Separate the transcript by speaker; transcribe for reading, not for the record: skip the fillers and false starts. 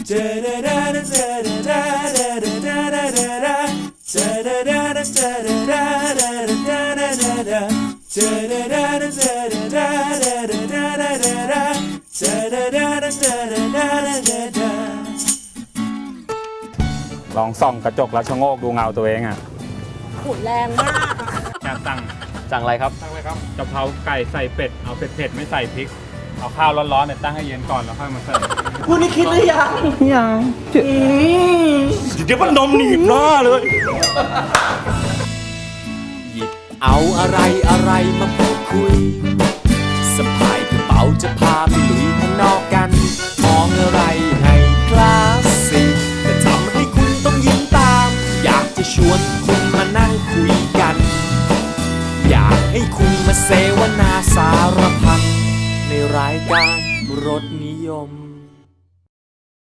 Speaker 1: ลองส่องกระจกแล้วชะโงกดูเงาตัวเองอ่ะ
Speaker 2: ขุนแรงมาก
Speaker 1: อยาก
Speaker 3: สั่งอะไรครับ
Speaker 1: ตั้งเลยครับกะเพราไก่ใส่เป็ดเอาเผ็ดๆไม่ใส่พริกเอาข้าวร้อนๆเนี่ยตั้งให้เย็นก่อนแล้วค่อยมาเสิร์ฟ
Speaker 3: คุณนี่คิดหรือยังยังเดี๋ยวมันนมหนีบหน้าเลยหยิบเอาอะไรมาพูดคุยสะพายกระเป๋าจะพาไปลุยข้างนอกกันมองอะไรให้คลาสสิกแต่ทำให้คุณต้องยิ้มตาม อยากจะชวนคุณมานั่งคุยกันอยากให้คุณมาเสวนาสารพันในรายการรสนิยม